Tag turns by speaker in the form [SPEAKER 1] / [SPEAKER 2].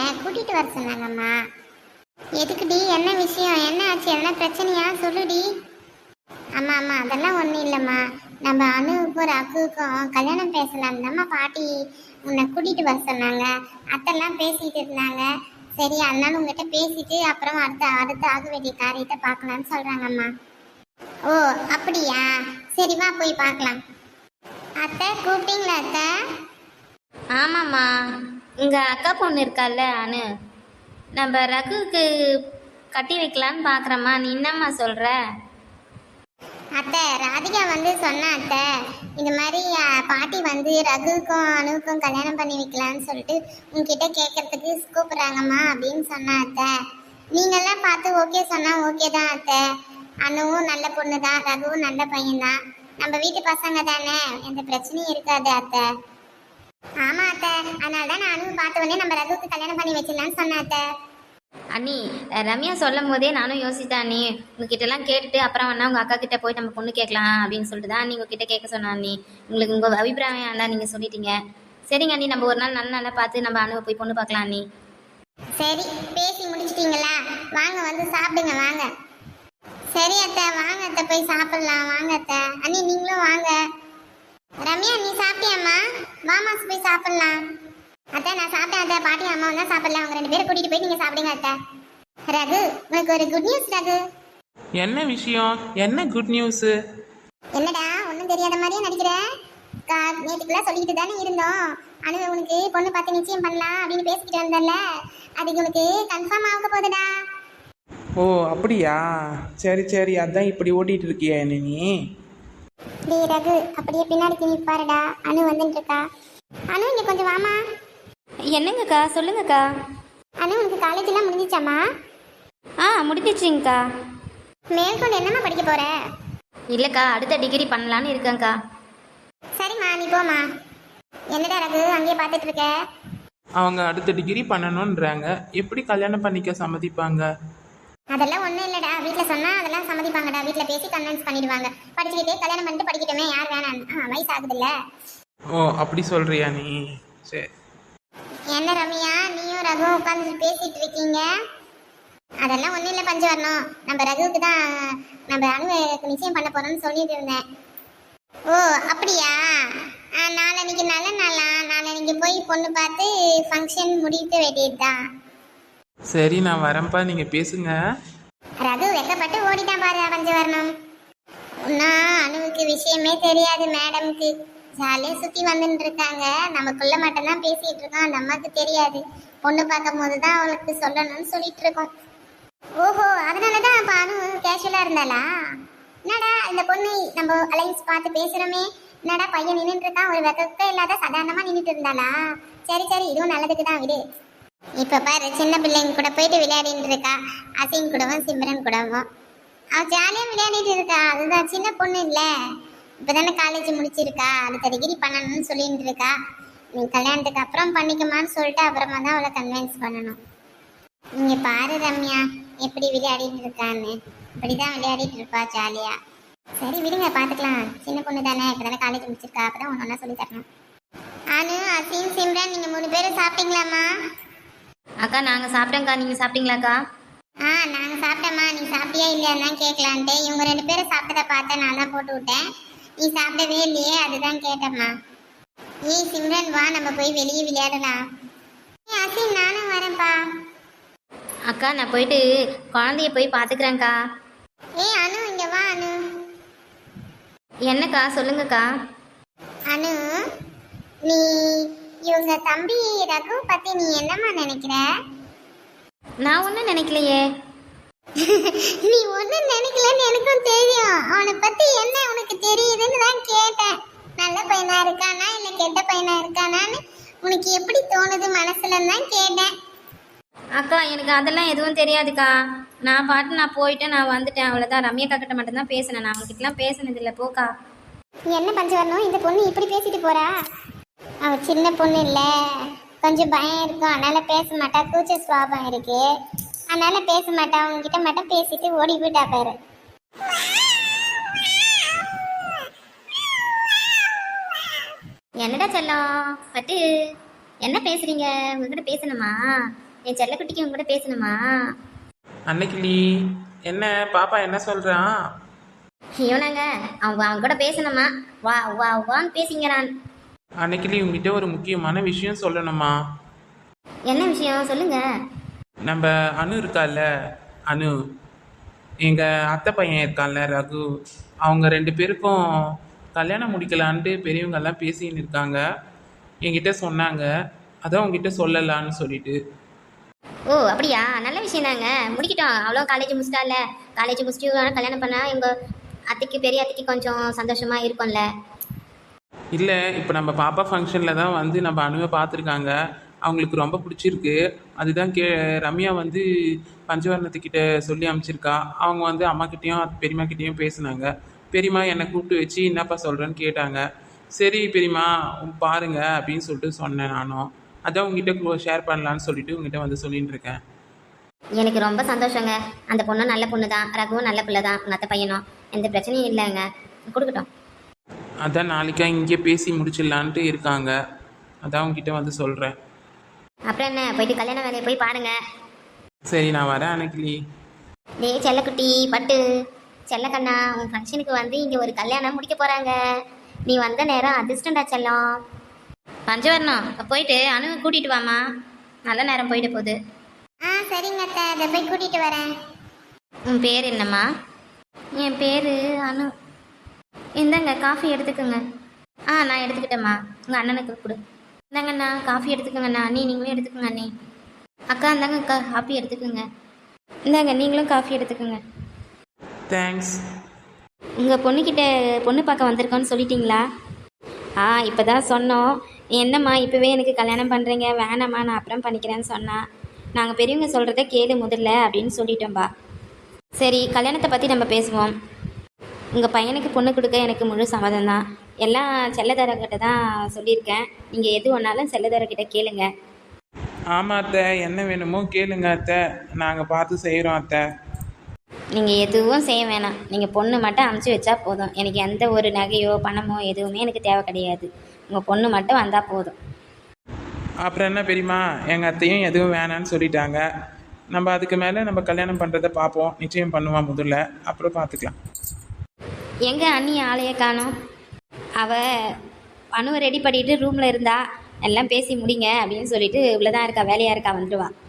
[SPEAKER 1] கூட்டிட்டு வர சொன்னாங்கம்மா. எதுக்குடி, என்ன விஷயம், என்ன ஆச்சு, என்ன பிரச்சனையா, சொல்லுடி. அம்மா அம்மா அதெல்லாம் ஒன்றும் இல்லைம்மா. நம்ம அணுவுக்கும் ரகுவுக்கும் கல்யாணம் பேசலாம் தாம்மா பாட்டி உன்னை கூட்டிட்டு வர சொன்னாங்க. அத்தெல்லாம் பேசிட்டு இருந்தாங்க. சரி, அதனால உங்ககிட்ட பேசிட்டு அப்புறம் அடுத்த ஆக வேண்டிய காரியத்தை பார்க்கலான்னு சொல்றாங்கம்மா. ஓ அப்படியா, சரி வா போய் பார்க்கலாம். அத்தை கூப்பிட்டீங்களா அத்தை?
[SPEAKER 2] ஆமாம்மா, உங்கள் அக்கா பொண்ணு இருக்கால்ல அனு, நம்ம ரகுவுக்கு கட்டி வைக்கலான்னு பார்க்குறம்மா. நீ என்னம்மா சொல்கிற?
[SPEAKER 1] அத்தை ராதிகா வந்து சொன்னா அத்தை, இந்த மாதிரி பாட்டி வந்து ரகுவுக்கும் அணுவுக்கும் கல்யாணம் பண்ணி வைக்கலான்னு சொல்லிட்டு உங்ககிட்ட கேட்கறதுக்கு கூப்பிடுறாங்கம்மா அப்படின்னு சொன்னா அத்தை. நீங்கெல்லாம் பார்த்து ஓகே சொன்னா ஓகே தான் அத்தை. அணுவும் நல்ல பொண்ணு தான், ரகுவும் நல்ல பையன் தான், நம்ம வீட்டு பசங்க தானே, எந்த பிரச்சனையும் இருக்காது அத்தை. ஆமா அத்தை, அதனால தான் நான் அணுவை பார்த்த உடனே நம்ம ரகுவுக்கு கல்யாணம் பண்ணி வச்சிடலான்னு சொன்னேன் அத்தை.
[SPEAKER 2] அண்ணி, ரம்யா சொல்லும் போதே நானும் யோசித்தேன் அண்ணி, உங்ககிட்டலாம் கேட்டுட்டு அப்புறம் வேணா உங்கள் அக்கா கிட்டே போய் நம்ம பொண்ணு கேட்கலாம் அப்படின்னு சொல்லிட்டு தான் நீங்கள் உங்ககிட்ட கேட்க சொன்னேன் அண்ணி. உங்களுக்கு உங்கள் அபிப்பிராயம் தான் நீங்கள் சொல்லிட்டீங்க. சரிங்க அண்ணி, நம்ம ஒரு நாள் நல்ல நாளாக பார்த்து நம்ம அணுவை போய் பொண்ணு பார்க்கலாம் அண்ணி.
[SPEAKER 1] சரி, பேசி முடிச்சிட்டீங்களா? வாங்க வந்து சாப்பிடுங்க வாங்க. சரி அத்தை, வாங்க அத்தை போய் சாப்பிடலாம். வாங்க அத்தை. அண்ணி நீங்களும் வாங்க. ரம்யா நீ சாப்பிட்டியாம்மா? வாமா போய் சாப்பிடலாம். அத்தை நான் சாப்பிட்டேன் அத்தை, பாட்டி அம்மா தான் சாப்பிடலாம். அவங்க 2 பேரும் கூட்டிட்டு போய் நீங்க சாப்பிடுங்க அத்தை. ரகு, உனக்கு ஒரு குட் நியூஸ் ரகு.
[SPEAKER 3] என்ன விஷயம், என்ன குட் நியூஸ்?
[SPEAKER 1] என்னடா ஒன்றும் தெரியாத மாதிரியே நடிக்கிற? நேற்றுக்குலாம் சொல்லிக்கிட்டு தானே இருந்தோம், அனு உனக்கு பொண்ணு பார்த்து நிச்சயம் பண்ணலாம் அப்படின்னு பேசிக்கிட்டு வந்தல, அதுக்கு உனக்கு கன்ஃபார்ம் ஆக போகுதுடா.
[SPEAKER 3] ஓ அப்படியா, சரி சரி, அதான் இப்படி ஓட்டிட்டு இருக்கியா என்ன நீ?
[SPEAKER 1] டேய் ரகு, அப்படியே பின்னாடி திரும்பி பாருடா, அனு வந்துட்டு இருக்கா. அனு இங்க கொஞ்சம் வாமா.
[SPEAKER 2] என்னங்கக்கா, சொல்லுங்கக்கா.
[SPEAKER 1] அனு உனக்கு காலேஜ்லாம் முடிஞ்சிச்சாம்மா?
[SPEAKER 2] முடிஞ்சிச்சிங்கக்கா.
[SPEAKER 1] மேற்கொண்டு என்னம்மா படிக்க போற?
[SPEAKER 2] இல்லைக்கா, அடுத்த டிகிரி பண்ணலான்னு இருக்கேங்க்கா.
[SPEAKER 1] சரிம்மா நீ போமா. என்னடா ரகு அங்கேயே பார்த்துட்டு இருக்க?
[SPEAKER 3] அவங்க அடுத்த டிகிரி பண்ணணுன்றாங்க, எப்படி கல்யாணம் பண்ணிக்க சம்மதிப்பாங்க?
[SPEAKER 1] அதெல்லாம் ஒன்றும் இல்லைடா, வீட்டில் சொன்னால் அதெல்லாம் சம்மதிப்பாங்கடா. வீட்டில் பேசி கன்வின்ஸ் பண்ணிடுவாங்க. படிச்சுக்கிட்டே கல்யாணம் பண்ணிட்டு படிக்கட்டுமே, யார் வேணாம், வயசு ஆகுதுல்ல.
[SPEAKER 3] ஓ அப்படி சொல்றியா நீ? சரி.
[SPEAKER 1] என்ன ரம்யா, நீயும் ரகுவும் உட்காந்துட்டு பேசிட்டு இருக்கீங்க? அதெல்லாம் ஒன்றும் இல்லை பஞ்சு வரணும், நம்ம ரகுவுக்கு தான் நம்ம அணுவுக்கு நிச்சயம் பண்ண போகிறோம்னு சொல்லிட்டு இருந்தேன். ஓ அப்படியா, நாளைக்கு நல்ல நாளா? நாளைக்கு போய் பொண்ணு பார்த்து ஃபங்க்ஷன் முடிக்க வேண்டியது தான்.
[SPEAKER 3] சரி நான் வரேன்ப்பா, நீங்க பேசுங்க.
[SPEAKER 1] ரகு வெக்கப்பட்டு ஓடிட்டான் பாரு பஞ்சவர்ணம். ஒன்னா அணுவுக்கு விஷயமே தெரியாது மேடம்க்கு. ஜாலியாக சுற்றி வந்துட்டு இருக்காங்க, நமக்குள்ள மட்டும்தான் பேசிட்டு இருக்கோம், அந்த அம்மாவுக்கு தெரியாது. பொண்ணு பார்க்கும் போது தான் அவளுக்கு சொல்லணும்னு சொல்லிட்டு இருக்கோம். ஓஹோ, அதனால தான் இப்போ அணு கேஷுவலாக இருந்தாளா? என்னடா இந்த பொண்ணு நம்ம அலைன்ஸ் பார்த்து பேசுகிறோமே, என்னடா பையன் நின்றுட்டு இருக்கான், ஒரு வெக்க இல்லாத சாதாரணமாக நின்றுட்டு இருந்தாளா? சரி சரி, இதுவும் நல்லதுக்கு தான் விடு. இப்போ பாரு, சின்ன பிள்ளைங்க கூட போயிட்டு விளையாடிட்டு இருக்கா, அசின் கூடவும் சிம்ரன் கூடவும். அவள் ஜாலியாக விளையாடிட்டு இருக்கா, அதுதான் சின்ன பொண்ணு இல்லை, இப்போ தானே காலேஜ் முடிச்சிருக்கா, அடுத்த டிகிரி பண்ணணும்னு சொல்லிட்டு இருக்கா. நீ கல்யாணத்துக்கு அப்புறம் பண்ணிக்கமான்னு சொல்லிட்டு அப்புறமா தான் அவளை கன்வின்ஸ் பண்ணணும். நீங்க பாரு ரம்யா எப்படி விளையாடிட்டு இருக்கான்னு, இப்படிதான் விளையாடிட்டு இருப்பா ஜாலியா. சரி விடுங்க, பார்த்துக்கலாம், சின்ன பொண்ணு தானே, இப்போ தானே காலேஜ் முடிச்சிருக்கா, அப்பதான் ஒன்று ஒன்றா சொல்லி தரணும். அனு, அசீம், சிம்ரன் நீங்கள் 3 பேரும் சாப்பிட்டீங்களாம்மா?
[SPEAKER 2] அக்கா நாங்கள் சாப்பிட்டோங்க்கா, நீங்கள் சாப்பிட்டீங்களாக்கா?
[SPEAKER 1] நாங்கள் சாப்பிட்டோம்மா. நீ சாப்பிட்டியா இல்லையான்னு தான் கேட்கலான்ட்டு, இவங்க 2 பேரும் சாப்பிட்டதை பார்த்தேன், நான் தான் போட்டு விட்டேன். நீ சாப்பிடவே இல்லையே, அதுதான் கேட்டம்மா. ஏய் சிம்ரன் வா, நம்ம போய் வெளியே விளையாடலாம். அசீம் நானும் வரேன்ப்பா.
[SPEAKER 2] அக்கா நான் போயிட்டு குழந்தைய போய் பார்த்துக்கிறேங்க்கா.
[SPEAKER 1] ஏய் அனு இங்க வா. அனு
[SPEAKER 2] என்னக்கா, சொல்லுங்கக்கா.
[SPEAKER 1] அனு, நீ இவங்க தம்பி ரகு பத்தி நீ என்னம்மா நினைக்கிற?
[SPEAKER 2] நான் ஒன்றும் நினைக்கலையே.
[SPEAKER 1] நீ ஒன்றும் நினைக்கலன்னு எனக்கும் தெரியும். அவனை பத்தி என்ன உனக்கு தெரியுதுன்னு தான் கேட்டேன். நல்ல பையனா இருக்கானா இல்லை கெட்ட பையனா இருக்கானான்னு உனக்கு எப்படி தோணுது மனசுலன்னு தான் கேட்டேன்.
[SPEAKER 2] அக்கா எனக்கு அதெல்லாம் எதுவும் தெரியாதுக்கா. நான் போயிட்டேன், நான் வந்துட்டேன், அவ்வளோதான். ரம்யா கிட்ட மட்டும்தான் பேசினேன், நான் அவங்ககிட்டலாம் பேசினது இல்லை. போக்கா.
[SPEAKER 1] என்ன பஞ்சு வரணும், இந்த பொண்ணு இப்படி பேசிட்டு போறா? அவ சின்ன பொண்ணு இல்லை, கொஞ்சம் பயம் இருக்கும், அதனால பேச மாட்டா, கூச்ச சுவாபம் இருக்கு, அதனால பேச மாட்டா. உங்ககிட்ட மட்டும் பேசிட்டு ஓடி போயிட்டா பாரு.
[SPEAKER 2] என்னடா செல்லம் பட்டு, என்ன பேசுறீங்க? உங்ககிட்ட பேசணுமா? என் செல்லக்குட்டிக்கு உங்க கூட பேசணுமா?
[SPEAKER 3] அன்னைக்கிளி, என்ன பாப்பா என்ன சொல்கிறான்?
[SPEAKER 2] இவனாங்க அவன் கூட பேசணுமா? வா வா வான்னு பேசிங்க நான்.
[SPEAKER 3] அன்னைக்கிளி உங்ககிட்ட ஒரு முக்கியமான விஷயம் சொல்லணுமா?
[SPEAKER 2] என்ன விஷயம் சொல்லுங்க.
[SPEAKER 3] நம்ம அனு இருக்கால்ல, அனு, எங்கள் அத்தை பையன் இருக்கான்ல ரகு, அவங்க 2 பேருக்கும் கல்யாணம் முடிக்கலான்ட்டு பெரியவங்கெல்லாம் பேசின்னு இருக்காங்க. என்கிட்ட சொன்னாங்க, அதான் உங்ககிட்ட சொல்லலான்னு சொல்லிட்டு.
[SPEAKER 2] ஓ அப்படியா, நல்ல விஷயம் தாங்க. முடிக்கிட்டோம். அவ்வளோ காலேஜ் முடிச்சிட்டால. காலேஜ் முடிச்சுட்டு கல்யாணம் பண்ணா எங்க அத்தைக்கு பெரிய அத்தைக்கு கொஞ்சம் சந்தோஷமா இருக்கும்ல.
[SPEAKER 3] இல்லை, இப்போ நம்ம பாப்பா ஃபங்க்ஷனில் தான் வந்து நம்ம அணுவை பார்த்துருக்காங்க. அவங்களுக்கு ரொம்ப பிடிச்சிருக்கு. அதுதான் ரம்யா வந்து பஞ்சவர்ணத்துக்கிட்ட சொல்லி அனுப்பிச்சிருக்கா. அவங்க வந்து அம்மாக்கிட்டேயும் பெரியம்மாக்கிட்டேயும் பேசுனாங்க. பெரியம்மா என்னை கூப்பிட்டு வச்சு என்னப்பா சொல்கிறேன்னு கேட்டாங்க. சரி பெரியம்மா பாருங்க அப்படின்னு சொல்லிட்டு சொன்னேன் நானும். அதான் உங்ககிட்ட ஷேர் பண்ணலான்னு சொல்லிட்டு உங்ககிட்ட வந்து சொல்லிட்டு இருக்கேன்.
[SPEAKER 2] எனக்கு ரொம்ப சந்தோஷங்க. அந்த பொண்ணும் நல்ல பொண்ணு தான், ரகுவும் நல்ல பிள்ளை தான், உங்கள் அத்தை பையனும் எந்த பிரச்சனையும் இல்லைங்க. கொடுக்கட்டும்.
[SPEAKER 3] அதான் நாளைக்கா இங்கே பேசி முடிச்சிடலான்ட்டு இருக்காங்க. அதான் உங்ககிட்ட வந்து சொல்கிறேன்.
[SPEAKER 2] அப்புறம் என்ன, போயிட்டு கல்யாண வேலையை போய் பாருங்க.
[SPEAKER 3] சரி நான் வரேன் அன்னைக்கிளி.
[SPEAKER 2] டேய் செல்லக்குட்டி பட்டு, செல்லக்கண்ணா, உன் ஃபங்க்ஷனுக்கு வந்து இங்கே ஒரு கல்யாணம் முடிக்க போகிறாங்க. நீ வந்த நேரம் அதிர்ஷ்டண்டா செல்லம். பஞ்சவர்ணம் போயிட்டு அணுவை கூட்டிகிட்டு வாமா, நல்ல நேரம் போயிட்டு போகுது.
[SPEAKER 1] ஆ சரிங்க அத்தை, அதை போய் கூட்டிட்டு வரேன்.
[SPEAKER 2] உன் பேர் என்னம்மா? என் பேர் அனு. இந்தாங்க காஃபி எடுத்துக்கோங்க. நான் எடுத்துக்கிட்டேம்மா. உங்கள் அண்ணனுக்கு கொடு. இந்தாங்கண்ணா காஃபி எடுத்துக்கோங்கண்ணா. அண்ணி நீங்களும் எடுத்துக்கோங்க. அண்ணி அக்கா இந்தாங்க அக்கா காஃபி எடுத்துக்கோங்க. இந்தாங்க நீங்களும் காஃபி எடுத்துக்கோங்க.
[SPEAKER 3] தேங்க்ஸ்.
[SPEAKER 2] உங்கள் பொண்ணுக்கிட்ட பொண்ணு பார்க்க வந்திருக்கோன்னு சொல்லிட்டீங்களா? இப்போ தான் சொன்னோம். என்னம்மா இப்போவே எனக்கு கல்யாணம் பண்ணுறீங்க, வேணாம்மா நான் அப்புறம் பண்ணிக்கிறேன்னு சொன்னா. நாங்கள் பெரியவங்க சொல்கிறத கேளு முதல்ல அப்படின்னு சொல்லிட்டோம்பா. சரி கல்யாணத்தை பற்றி நம்ம பேசுவோம். உங்கள் பையனுக்கு பொண்ணு கொடுக்க எனக்கு முழு சம்மதம் தான். எல்லாம் செல்லதாரர்கிட்ட தான் சொல்லியிருக்கேன். நீங்கள் எது ஒன்றாலும் செல்லதாரர்கிட்ட கேளுங்க.
[SPEAKER 3] ஆமாம் அத்தை, என்ன வேணுமோ கேளுங்க அத்தை, நாங்கள் பார்த்து செய்கிறோம் அத்தை.
[SPEAKER 2] நீங்கள் எதுவும் செய்ய வேணாம். நீங்கள் பொண்ணு மட்டும் அமுச்சு வச்சா போதும். எனக்கு எந்த ஒரு நகையோ பணமோ எதுவுமே எனக்கு தேவை கிடையாது. உங்கள் பொண்ணு மட்டும் வந்தால் போதும்.
[SPEAKER 3] அப்புறம் என்ன பெரியம்மா, எங்கள் அத்தையும் எதுவும் வேணான்னு சொல்லிட்டாங்க. நம்ம அதுக்கு மேலே நம்ம கல்யாணம் பண்ணுறதை பார்ப்போம். நிச்சயம் பண்ணுவான் முதல்ல, அப்புறம் பார்த்துக்கலாம்.
[SPEAKER 2] எங்கே அண்ணி ஆளையே காணோம்? அவள் அணுவை ரெடி பண்ணிட்டு ரூமில் இருந்தா. எல்லாம் பேசி முடிங்க அப்படின்னு சொல்லிட்டு இவ்வளோதான் இருக்கா, வேலையாக இருக்கா, வந்துடுவா.